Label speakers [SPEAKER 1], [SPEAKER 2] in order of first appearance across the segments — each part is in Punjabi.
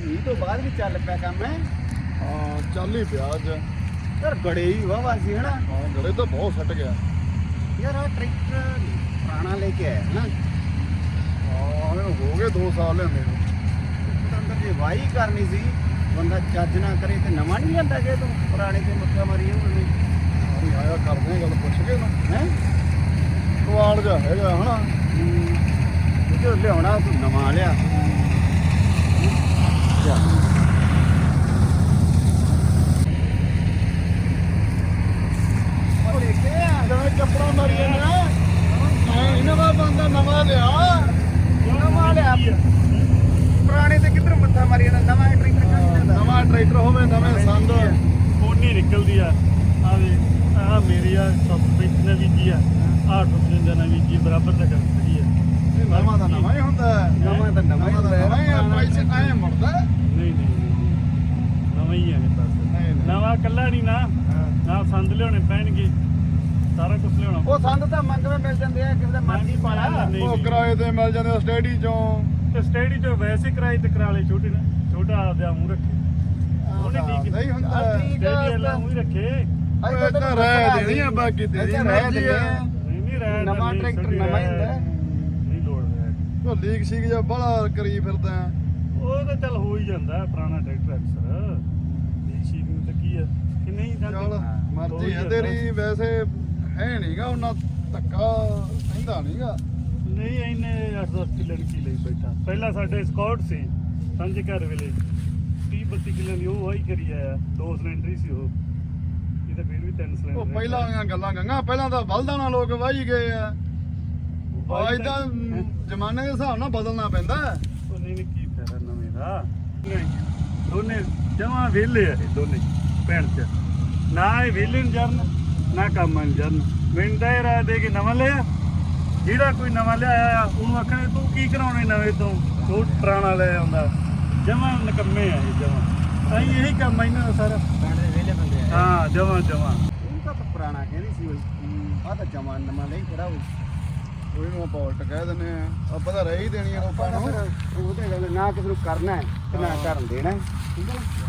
[SPEAKER 1] ਮੀਂਹ ਤੋਂ ਬਾਅਦ ਵੀ ਚੱਲ ਪਿਆ ਕੰਮ ਹੈ।
[SPEAKER 2] ਹਾਂ ਚੱਲ ਹੀ ਪਿਆ ਅੱਜ।
[SPEAKER 1] ਯਾਰ ਗੜੇ ਹੀ ਵਾਵਾ ਸੀ ਹਨਾ।
[SPEAKER 2] ਹਾਂ ਗੜੇ ਤਾਂ ਬਹੁਤ ਸੱਟ ਗਿਆ
[SPEAKER 1] ਯਾਰ ਆ ਟਰੈਕਟਰ ਪੁਰਾਣਾ ਲੈ ਕੇ ਆਇਆ ਨਾ।
[SPEAKER 2] ਹਾਂ ਇਹਨੂੰ ਹੋ ਗਏ 2 ਸਾਲ ਲੈਂਦੇ ਨੂੰ।
[SPEAKER 1] ਅੰਦਰ ਜੇ ਵਾਹੀ ਕਰਨੀ ਸੀ ਬੰਦਾ ਚੱਜ ਨਾ ਕਰੇ ਤੇ ਨਵਾਂ ਨਹੀਂ ਜਾਂਦਾ ਜੇ ਤੂੰ ਪੁਰਾਣੇ ਤੇ ਮੱਥਾ ਮਾਰੀ ਉਹਨੇ।
[SPEAKER 2] ਅਸੀਂ ਆਇਆ ਕਰਦੇ ਹਾਂ ਗੱਲ ਪੁੱਛ ਕੇ ਨਾ
[SPEAKER 1] ਹੈ
[SPEAKER 2] ਸਵਾਲ ਜਿਹਾ ਹੈਗਾ ਹਨਾ।
[SPEAKER 1] ਜੋ ਲਿਆਉਣਾ ਤੂੰ ਨਵਾਂ ਲਿਆ। ਉਹ ਦੇਖੇ ਆ
[SPEAKER 2] ਜਿਵੇਂ ਚੱਪੜਾ ਮਾਰੀ ਜਾਂਦਾ ਮੈਂ ਇਹਨਾਂ ਦਾ ਬੰਦਾ ਨਵਾਂ ਲਿਆ।
[SPEAKER 1] ਨਵਾਂ ਲਿਆ ਪੁਰਾਣੇ ਤੇ ਕਿੱਧਰ ਮੱਥਾ ਮਾਰੀ ਜਾਂਦਾ। ਨਵਾਂ ਟਰੈਕਟਰ ਚੱਲ ਜਾਂਦਾ।
[SPEAKER 2] ਨਵਾਂ ਟਰੈਕਟਰ ਹੋਵੇ ਨਵੇਂ ਸੰਦ
[SPEAKER 3] ਕੋਨੀ ਨਿਕਲਦੀ ਆ ਆ ਮੇਰੀ ਆ ਸਬਸਪੀਕ ਨੇ ਵੀ ਕੀ ਆ 855 ਨੇ ਵੀ ਕੀ ਬਰਾਬਰ ਦਾ ਕਰਦੀ ਆ।
[SPEAKER 2] ਇਹ ਨਵਾਂ ਦਾ ਨਵਾਂ ਹੀ ਹੁੰਦਾ
[SPEAKER 1] ਨਵਾਂ ਤਾਂ ਨਵਾਂ ਹੀ ਹੁੰਦਾ
[SPEAKER 2] ਨਵਾਂ ਹੀ ਆ। ਪੈਸੇ ਐਂ ਮੁੜਦਾ
[SPEAKER 3] ਨਹੀਂ ਨਵਾਂ ਹੀ ਆ ਮੇਰੇ ਪਾਸ। ਨਵਾਂ ਕੱਲਾ ਨਹੀਂ ਨਾ ਨਾਲ ਸੰਦ ਲਿਆਉਣੇ ਪੈਣਗੇ ਸਾਰਾ ਕੁਝ ਲਿਆਉਣਾ।
[SPEAKER 1] ਉਹ ਸੰਦ ਤਾਂ ਮੰਗਵੇਂ ਮਿਲ ਜਾਂਦੇ ਆ ਕਿਸੇ ਦਾ ਮਰਜ਼ੀ ਪਾਲਾ।
[SPEAKER 2] ਉਹ ਕਿਰਾਏ ਤੇ ਮਿਲ ਜਾਂਦੇ ਸਟੇਡੀ ਚੋਂ
[SPEAKER 3] ਤੇ ਸਟੇਡੀ ਤੋਂ ਵੈਸੇ ਕਿਰਾਏ ਤੇ ਕਰਾ ਲੈ ਛੋਟੇ ਨਾ ਛੋਟਾ ਆਪਦਾ ਮੂੰਹ ਰੱਖੇ ਉਹਨੇ ਕੀ
[SPEAKER 2] ਨਹੀਂ ਹੁੰਦਾ
[SPEAKER 3] ਸਟੇਡੀ ਵਾਲਾ ਮੂੰਹ ਰੱਖੇ।
[SPEAKER 2] ਉਹ ਤਾਂ ਰਹਿ ਦੇਣੀ ਆ ਬਾਕੀ ਤੇਰੀ ਮਰਜ਼ੀ ਆ।
[SPEAKER 3] ਨਹੀਂ ਰਹਿ
[SPEAKER 1] ਨਵਾਂ ਟਰੈਕਟਰ ਨਵਾਂ ਹੀ ਹੁੰਦਾ।
[SPEAKER 3] ਨਹੀਂ ਲੋੜ ਰਹਿ
[SPEAKER 2] ਉਹ ਲੀਕ ਸੀਕ ਜਾਂ ਬੜਾ ਕਰੀ ਫਿਰਦਾ
[SPEAKER 3] ਉਹ ਤਾਂ ਚੱਲ ਹੋ ਹੀ ਜਾਂਦਾ ਪੁਰਾਣਾ ਟਰੈਕਟਰ ਅਕਸਰ ਦੇਸ਼ੀ ਨੂੰ ਤਾਂ ਕੀ ਆ ਕਿ ਨਹੀਂ
[SPEAKER 2] ਚੱਲ ਮਰਜ਼ੀ ਹੈ ਤੇਰੀ। ਵੈਸੇ ਹੈ ਨਹੀਂਗਾ ਉਹਨਾਂ ਧੱਕਾ ਕਹਿੰਦਾ ਨਹੀਂਗਾ।
[SPEAKER 3] ਨਹੀਂ ਇਹਨੇ 8-10 ਕਿੱਲੇ ਦੀ ਲਈ ਬੈਠਾ। ਪਹਿਲਾਂ ਸਾਡੇ ਸਕਾਟ ਸੀ ਸਾਂਝੇ ਘਰ ਵੇਲੇ 30-32 ਕਿੱਲੇ ਦੀ ਉਹ ਵਾਹੀ ਕਰੀ ਆਇਆ। 2 ਸਿਲੰਡਰ ਸੀ ਉਹ। ਇਹ ਤਾਂ ਫਿਰ ਵੀ 3 ਸਿਲੰਡਰ।
[SPEAKER 2] ਉਹ ਪਹਿਲਾਂ ਵਾਲੀਆਂ ਗੱਲਾਂ ਗੰਗਾ ਪਹਿਲਾਂ ਤਾਂ ਬਲਦਾਂ ਲੋਕ ਵਾਹੀ ਗਏ ਆ। ਅੱਜ ਤਾਂ ਜ਼ਮਾਨੇ ਦੇ ਹਿਸਾਬ ਨਾਲ ਬਦਲਣਾ ਪੈਂਦਾ।
[SPEAKER 3] ਉਹ ਨਹੀਂ ਕੀ ਫਾਇਦਾ ਨਵੇਂ ਦਾ। ਦੋਨੇ ਜਮਾਂ ਵਿਹਲੇ ਆ ਇਹ ਦੋਨੇ ਭੈਣ ਚ। ਨਾ ਇਹ ਵਿਹਲੇ ਨੂੰ ਜਰਨ ਨਾ ਕੰਮ ਨੂੰ ਜਰਨ। ਮੈਨੂੰ ਤਾਂ ਇਹ ਰਾਹ ਦੇ ਕੇ ਨਵਾਂ ਲਿਆ। ਜਿਹੜਾ ਕੋਈ ਨਵਾਂ ਲਿਆਇਆ ਆ ਉਹਨੂੰ ਆਖਣੇ ਤੂੰ ਕੀ ਕਰਾਉਣੇ ਨਵੇਂ ਤੋਂ ਉਹ ਪੁਰਾਣਾ ਲੈ ਆਉਂਦਾ। ਜਮਾਂ ਨਕੰਮੇ ਆ ਇਹ ਜਮਾਂ। ਅਸੀਂ ਇਹੀ ਕੰਮ ਆ ਇਹਨਾਂ ਦਾ ਸਾਰਾ।
[SPEAKER 1] ਪੁਰਾਣੇ ਵੇਲੇ ਬੰਦੇ ਆ।
[SPEAKER 3] ਹਾਂ ਜਮਾਂ
[SPEAKER 1] ਉਹ ਤਾਂ ਪੁਰਾਣਾ ਕਹਿੰਦੀ ਸੀ ਉਹ। ਆ ਤਾਂ ਜਮਾਂ ਨਵਾਂ ਲਈ ਖੜਾ ਹੋਈ।
[SPEAKER 2] ਉਹਨੂੰ ਆਪਾਂ ਉਲਟ ਕਹਿ ਦਿੰਦੇ ਆ। ਆਪਾਂ ਤਾਂ ਰਹਿ ਹੀ ਦੇਣੀ ਆ ਲੋਕਾਂ ਨੂੰ।
[SPEAKER 1] ਉਹ ਤੇ ਗੱਲ ਨਾ ਕਿਸੇ ਨੂੰ ਕਰਨਾ ਹੈ ਤੇ ਨਾ ਕਰਨ ਦੇਣਾ ਹੈ। ਠੀਕ ਹੈ ਨਾ।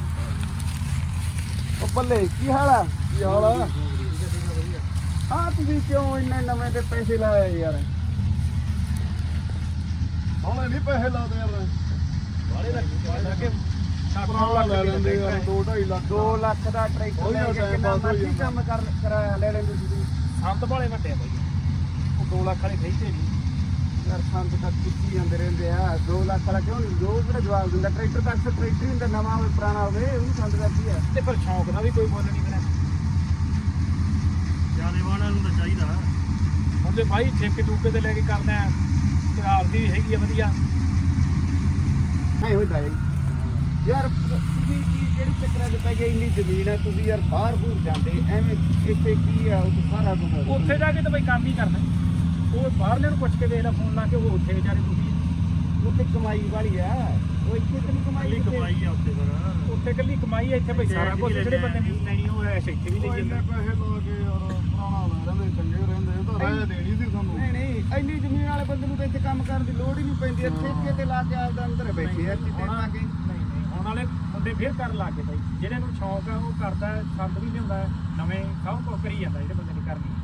[SPEAKER 1] ਉਹ ਬੱਲੇ ਕੀ ਹਾਲ ਆ?
[SPEAKER 2] ਕੀ ਹਾਲ ਆ?
[SPEAKER 1] ਹਾਂ ਤੁਸੀਂ ਕਿਉਂ ਇੰਨੇ ਨਵੇਂ ਤੇ ਪੈਸੇ ਲਾਏ ਯਾਰ?
[SPEAKER 2] ਹੌਲੇ ਨਹੀਂ ਪੈਸੇ ਲਾਦੇ ਯਾਰ।
[SPEAKER 1] ਵਾਲੇ ਲੱਗੇ
[SPEAKER 2] ਪੁਰਾਣਾ ਲੈ ਲੈਂਦੇ ਯਾਰ 2-2.5 ਲੱਖ
[SPEAKER 1] 2 ਲੱਖ ਦਾ ਟਰੈਕਟਰ ਲੈ ਕੇ ਕਿੰਨਾ ਮਰਜ਼ੀ ਕੰਮ ਕਰਾਇਆ ਲੈ ਲੈਂਦੇ ਤੁਸੀਂ।
[SPEAKER 3] ਸੰਤ ਭਾਲੇ ਵੱਡੇ ਆ ਬਾਈ। ਉਹ 2 ਲੱਖ ਵਾਲੇ ਖਰੀਦੇ ਨਹੀਂ
[SPEAKER 1] ਯਾਰ ਸੰਤ ਤਾਂ ਕਿੱਥੇ ਜਾਂਦੇ ਰਹਿੰਦੇ ਆ। 2 ਲੱਖ ਵਾਲਾ ਕਿਉਂ ਨਹੀਂ? ਜੋ ਕਿਹੜਾ ਜਵਾਬ ਦਿੰਦਾ? ਟਰੈਕਟਰ ਤਾਂ ਅਕਸਰ ਟਰੈਕਟਰ ਹੀ ਹੁੰਦਾ ਨਵਾਂ ਹੋਵੇ ਪੁਰਾਣਾ ਹੋਵੇ ਉਹਨੂੰ ਸੰਤ ਕਰਦੀ ਆ।
[SPEAKER 3] ਤੇ ਪਰ ਸ਼ੌਂਕ ਨਾਲ ਵੀ ਕੋਈ ਮੁੱਲ ਨਹੀਂ ਬਣਿਆ। ਜਾਣੇ ਵਾਲਿਆਂ ਨੂੰ ਤਾਂ ਚਾਹੀਦਾ ਹੁਣ ਤੇ ਭਾਈ ਠੇਕੇ ਟੂਕੇ ਤੇ ਲੈ ਕੇ ਕਰਨਾ ਤੇ ਆਪਦੀ ਹੈਗੀ ਆ ਵਧੀਆ।
[SPEAKER 1] ਨਹੀਂ ਹੁੰਦਾ ਯਾਰ ਤੁਸੀਂ ਕਿਹੜੀ ਚੱਕਰਾਂ 'ਚ ਪੈ ਗਏ? ਇੰਨੀ ਜ਼ਮੀਨ ਹੈ ਤੁਸੀਂ ਯਾਰ ਬਾਹਰ ਬੂਰ ਜਾਂਦੇ ਐਵੇਂ ਇੱਥੇ ਕੀ ਆ? ਉਹ ਸਾਰਾ ਕੁਝ
[SPEAKER 3] ਉੱਥੇ ਜਾ ਕੇ ਤਾਂ ਬਈ ਕੰਮ ਹੀ ਕਰਨਾ। ਉਹ ਬਾਹਰਲੇ ਨੂੰ ਪੁੱਛ ਕੇ ਦੇਖ ਲੈ ਫੋਨ ਲਾ ਕੇ। ਉਹ ਉੱਥੇ ਵਿਚਾਰੇ ਤੁਸੀਂ
[SPEAKER 1] ਉੱਥੇ ਕਮਾਈ ਵਾਲੀ ਆ। ਉਹ ਇੱਥੇ ਤੇ ਨਹੀਂ ਕਮਾਈ।
[SPEAKER 3] ਕਮਾਈ ਆ ਉੱਥੇ ਫਿਰ। ਉੱਥੇ ਕੱਲੀ ਕਮਾਈ ਆ। ਇੱਥੇ ਬਈ ਸਾਰਾ ਕੁਝ ਜਿਹੜੇ ਬੰਦੇ ਨੇ ਲੈਣੀ ਉਹ ਐਸ਼ ਇੱਥੇ ਵੀ ਲਈ ਜਾਂਦਾ।
[SPEAKER 2] ਪੈਸੇ ਲਾ ਕੇ ਯਾਰ ਪੁਰਾਣਾ ਲੈ ਰਹਿੰਦੇ ਚੰਗੇ ਰਹਿੰਦੇ। ਉਹ ਤਾਂ ਰਹਿ ਦੇਣੀ ਸੀ ਸਾਨੂੰ।
[SPEAKER 1] ਨਹੀਂ ਇੰਨੀ ਜ਼ਮੀਨ ਵਾਲੇ ਬੰਦੇ ਨੂੰ ਤਾਂ ਇੱਥੇ ਕੰਮ ਕਰਨ ਦੀ ਲੋੜ ਹੀ ਨਹੀਂ ਪੈਂਦੀ। ਠੇਕੇ ਤੇ ਲਾ ਕੇ ਆਪਦਾ ਅੰਦਰ ਬੈਠੇ ਆ ਚਿੱਟੇ ਲਾ ਕੇ।
[SPEAKER 3] ਹੁਣ ਵਾਲੇ ਬੰਦੇ ਫੇਰ ਕਰਨ ਲੱਗ ਗਏ ਬਾਈ। ਜਿਹੜੇ ਨੂੰ ਸ਼ੌਂਕ ਆ ਉਹ ਕਰਦਾ। ਸੰਦ ਵੀ ਲਿਆਉਂਦਾ ਨਵੇਂ ਸਭ ਕੁਝ ਕਰੀ ਜਾਂਦਾ ਜਿਹੜੇ ਬੰਦੇ ਨੇ ਕਰਨੀ।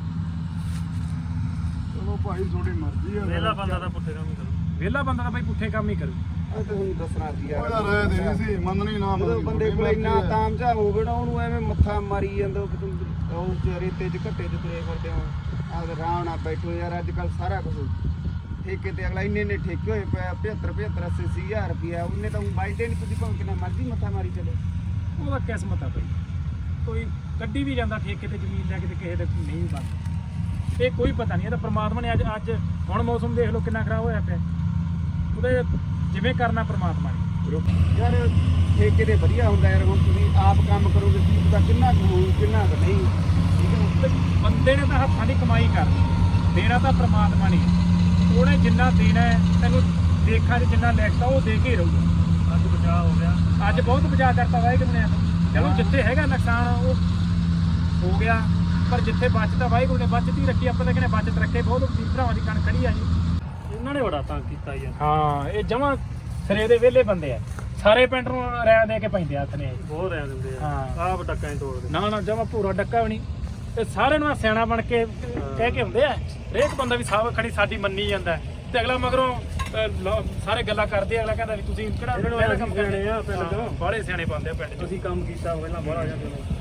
[SPEAKER 2] ਚਲੋ ਭਾਈ ਤੁਹਾਡੀ ਮਰਜ਼ੀ ਆ।
[SPEAKER 3] ਵਿਹਲਾ ਬੰਦਾ ਤਾਂ ਪੁੱਠੇ ਕੰਮ ਹੀ ਕਰੂ। ਵਿਹਲਾ ਬੰਦਾ ਤਾਂ ਬਾਈ ਪੁੱਠੇ ਕੰਮ ਹੀ ਕਰੂ।
[SPEAKER 1] ਉਹ ਤੁਹਾਨੂੰ ਦੱਸਣਾ ਸੀ
[SPEAKER 2] ਉਹ ਤਾਂ ਰਹਿ ਦੇਣੀ ਸੀ ਮੰਨਣੀ ਨਾ
[SPEAKER 1] ਜਦੋਂ
[SPEAKER 2] ਮੰਨਣੀ।
[SPEAKER 1] ਬੰਦੇ ਕੋਲ ਇੰਨਾ ਤਾਮਝਾ ਹੋਵੇ ਨਾ ਉਹਨੂੰ ਐਵੇਂ ਮੱਥਾ ਮਾਰੀ ਜਾਂਦਾ। ਉਹ ਰੇਤੇ 'ਚ ਘੱਟੇ 'ਚ ਤੁਰੇ ਫਿਰਦੇ ਹੋ। ਆਪਦੇ ਆਰਾਮ ਨਾਲ ਬੈਠੋ ਯਾਰ। ਅੱਜ ਕੱਲ੍ਹ ਸਾਰਾ ਕੁਝ ਠੇਕੇ ਤੇ ਅਗਲਾ ਇੰਨੇ ਠੇਕੇ ਹੋਏ ਪਏ 75 80 ਹਜ਼ਾਰ ਰੁਪਇਆ। ਉਹਨੇ ਤਾਂ ਬਾਈਦੇ ਨਹੀਂ। ਤੁਸੀਂ ਭਾਵੇਂ ਕਿੰਨਾ ਮਰਜ਼ੀ ਮੱਥਾ ਮਾਰੀ ਚਲੇ।
[SPEAKER 3] ਉਹਦਾ ਕਿਸਮਤ ਆ ਬਈ। ਕੋਈ ਕੱਢੀ ਵੀ ਜਾਂਦਾ ਠੇਕੇ ਤੇ ਜ਼ਮੀਨ ਲੈ ਕੇ ਤੇ ਕਿਸੇ ਦੇ ਨਹੀਂ ਬਣਦਾ। ਇਹ ਕੋਈ ਪਤਾ ਨਹੀਂ। ਇਹ ਤਾਂ ਪ੍ਰਮਾਤਮਾ ਨੇ ਅੱਜ ਹੁਣ ਮੌਸਮ ਦੇਖ ਲਓ ਕਿੰਨਾ ਖਰਾਬ ਹੋਇਆ ਪਿਆ। ਉਹਦੇ ਜਿਵੇਂ ਕਰਨਾ ਪ੍ਰਮਾਤਮਾ ਨੇ।
[SPEAKER 1] ਯਾਰ ਠੇਕੇ ਤੇ ਵਧੀਆ ਹੁੰਦਾ ਯਾਰ। ਹੁਣ ਤੁਸੀਂ ਆਪ ਕੰਮ ਕਰੋਗੇ ਕੀ ਪਤਾ ਕਿੰਨਾ ਕੁ ਹੋਊ ਕਿੰਨਾ ਕੁ ਨਹੀਂ। ਠੀਕ ਹੈ।
[SPEAKER 3] ਬੰਦੇ ਨੇ ਤਾਂ ਹੱਥਾਂ ਦੀ ਕਮਾਈ ਕਰਨੀ। ਦੇਣਾ ਤਾਂ ਪ੍ਰਮਾਤਮਾ ਨੇ। ਉਹਨੇ ਜਿੰਨਾ ਦੇਣਾ ਹੈ ਤੈਨੂੰ ਦੇਖਾਂ 'ਚ ਜਿੰਨਾ ਲਿਖਤਾ ਉਹ ਦੇ ਕੇ ਰਹੂਗਾ। ਅੱਜ ਬਚਾਅ ਹੋ ਗਿਆ। ਅੱਜ ਬਹੁਤ ਬਚਾਅ ਕਰਤਾ ਵਾਹਿਗੁਰੂ ਨੇ। ਚਲੋ ਜਿੱਥੇ ਹੈਗਾ ਨੁਕਸਾਨ ਉਹ ਹੋ ਗਿਆ ਪਰ ਜਿੱਥੇ ਬਚਦਾ ਵਾਹਿਗੁਰੂ ਨੇ ਬਚਤ ਹੀ ਰੱਖੀ। ਆਪਾਂ ਤਾਂ ਕਹਿੰਦੇ ਬਚਤ ਰੱਖੇ। ਬਹੁਤ ਵੀਰ ਭਰਾਵਾਂ ਦੀ ਕਣ ਖੜੀ ਆ ਜੀ। ਇਹਨਾਂ ਨੇ ਬੜਾ ਤੰਗ ਕੀਤਾ ਯਾਰ। ਹਾਂ ਇਹ ਜਮਾਂ ਸਿਰੇ ਦੇ ਵਿਹਲੇ ਬੰਦੇ ਆ।
[SPEAKER 4] ਸਾਰੇ ਪਿੰਡ ਨੂੰ ਰਹਿ ਦੇ ਕੇ ਪੈਂਦੇ ਹੱਥ ਨੇ
[SPEAKER 3] ਬਹੁਤ ਰਹਿ ਦਿੰਦੇ ਆ
[SPEAKER 4] ਹਾਂ।
[SPEAKER 3] ਆਪ ਟੱਕਾਂ ਹੀ ਤੋੜਦੇ
[SPEAKER 4] ਨਾ ਨਾ ਜਮਾ ਪੂਰਾ ਡੱਕਾ ਵੀ ਨਹੀਂ ਤੇ ਸਾਰੇ ਨੂੰ ਸਿਆਣਾ ਬਣ ਕੇ ਕਹਿ ਕੇ ਹੁੰਦੇ ਆ ਹਰੇਕ ਬੰਦਾ ਵੀ ਸਾਹ ਖੜੀ ਸਾਡੀ ਮੰਨੀ ਜਾਂਦਾ ਤੇ ਅਗਲਾ ਮਗਰੋਂ ਸਾਰੇ ਗੱਲਾਂ ਕਰਦੇ ਆ, ਅਗਲਾ ਕਹਿੰਦਾ ਵੀ ਤੁਸੀਂ ਕਿਹੜਾ ਪਹਿਲਾਂ ਕੰਮ ਕਰਨੇ ਆ ਪਿੰਡ ਚੋਂ ਬਾਹਲੇ ਸਿਆਣੇ ਪਾਉਂਦੇ ਆ ਪਿੰਡ ਚ
[SPEAKER 3] ਅਸੀਂ ਕੰਮ ਕੀਤਾ ਪਹਿਲਾਂ ਬਾਹਰ ਆ ਜਾਂਦੇ ਨੇ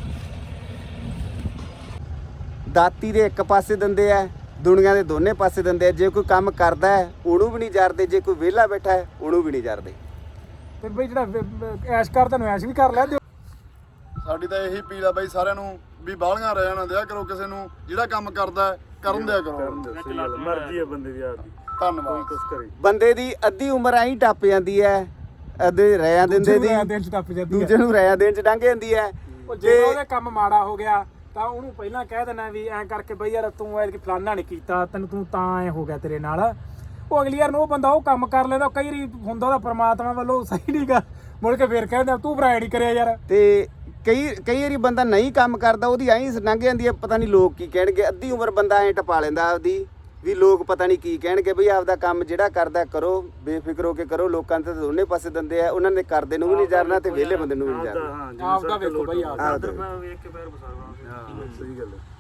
[SPEAKER 1] ਦਾਤੀ ਦੇ ਇੱਕ ਪਾਸੇ ਦਿੰਦੇ ਆ, ਦੁਨੀਆ ਦੇ ਦੋਨੇ ਪਾਸੇ ਦਿੰਦੇ ਆ। ਜੇ ਕੋਈ ਕੰਮ ਕਰਦਾ ਹੈ ਉਹਨੂੰ ਵੀ ਨਹੀਂ ਜਰਦੇ, ਜੇ ਕੋਈ ਵਿਹਲਾ ਬੈਠਾ ਹੈ ਉਹਨੂੰ ਵੀ ਨਹੀਂ ਜਰਦੇ।
[SPEAKER 4] ਤੇ ਬਈ ਜਿਹੜਾ ਐਸ਼ ਕਰਦਾ ਨੂੰ ਐਸ਼ ਵੀ ਕਰ ਲੈ
[SPEAKER 2] ਸਾਡੀ ਤਾਂ ਇਹੀ ਅਪੀਲ ਆ ਬਾਈ ਸਾਰਿਆਂ ਨੂੰ ਵੀ ਬਾਹਲੀਆਂ ਰਹਿ ਨਾ ਦਿਆ ਕਰੋ ਕਿਸੇ ਨੂੰ, ਜਿਹੜਾ ਕੰਮ ਕਰਦਾ ਹੈ, ਕਰਨ ਦਿਆ ਕਰੋ।
[SPEAKER 3] ਮਰਜ਼ੀ ਹੈ ਬੰਦੇ ਦੀ ਆਪਦੀ,
[SPEAKER 2] ਧੰਨਵਾਦ।
[SPEAKER 3] ਕੁਛ ਕਰੇ
[SPEAKER 1] ਬੰਦੇ ਦੀ ਅੱਧੀ ਉਮਰ ਐਂ ਹੀ ਟੱਪ ਜਾਂਦੀ ਹੈ, ਅੱਧੇ ਰਿਆਂ ਦਿੰਦੇ ਦੀ
[SPEAKER 4] ਦਿਨ ਚ ਟੱਪ ਜਾਂਦੀ
[SPEAKER 1] ਦੂਜੇ ਨੂੰ ਰਿਆਂ ਦੇਣ ਚ ਲੰਘ ਜਾਂਦੀ ਹੈ।
[SPEAKER 4] ਉਹ ਜੇ ਉਹਦੇ ਕੰਮ ਮਾੜਾ ਹੋ ਗਿਆ ਤਾਂ ਉਹਨੂੰ ਪਹਿਲਾਂ ਕਹਿ ਦੇਣਾ ਵੀ ਐਂ ਕਰਕੇ ਬਈ ਯਾਰ ਤੂੰ ਐ ਫਲਾਨਾ ਨਹੀਂ ਕੀਤਾ, ਤੂੰ ਤਾਂ ਐ ਹੋ ਗਿਆ ਤੇਰੇ ਨਾਲ। ਉਹ ਅਗਲੀ ਯਾਰ ਨੂੰ ਉਹ ਬੰਦਾ ਉਹ ਕੰਮ ਕਰ ਲੈਂਦਾ, ਕਈ ਵਾਰੀ ਹੁੰਦਾ ਉਹਦਾ ਪ੍ਰਮਾਤਮਾ ਵੱਲੋਂ ਸਹੀ ਨਹੀਂ ਗਾ, ਮੁੜ ਕੇ ਫੇਰ ਕਹਿੰਦਾ ਤੂੰ ਭਰਾ ਨਹੀਂ ਕਰਿਆ ਯਾਰ।
[SPEAKER 1] ਤੇ ਕਈ ਵਾਰੀ ਬੰਦਾ ਨਹੀਂ ਕੰਮ ਕਰਦਾ, ਉਹਦੀ ਐਂ ਲੰਘ ਜਾਂਦੀ ਹੈ, ਪਤਾ ਨਹੀਂ ਲੋਕ ਕੀ ਕਹਿਣਗੇ। ਅੱਧੀ ਉਮਰ ਬੰਦਾ ਐਂ ਟਪਾ ਲੈਂਦਾ ਆਪਦੀ ਵੀ ਲੋਕ ਪਤਾ ਨਹੀਂ ਕੀ ਕਹਿਣਗੇ। ਬਈ ਆਪਦਾ ਕੰਮ ਜਿਹੜਾ ਕਰਦਾ ਕਰੋ, ਬੇਫਿਕਰ ਹੋ ਕੇ ਕਰੋ। ਲੋਕਾਂ ਤੇ ਦੋਨੇ ਪਾਸੇ ਦਿੰਦੇ ਆ, ਉਹਨਾਂ ਨੇ ਕਰਦੇ ਨੂੰ ਵੀ ਨਹੀਂ ਜਰਨਾ ਤੇ ਵਿਹਲੇ ਬੰਦੇ ਨੂੰ ਵੀ ਨਹੀਂ ਜਰਨਾ।
[SPEAKER 4] ਆਪਦਾ ਵੇਖੋ ਬਈ
[SPEAKER 3] ਆਪ ਵੇਖ ਕੇ ਪੈਰ ਬਸਾਵਾ।
[SPEAKER 2] ਹਾਂ ਸਹੀ ਗੱਲ ਹੈ।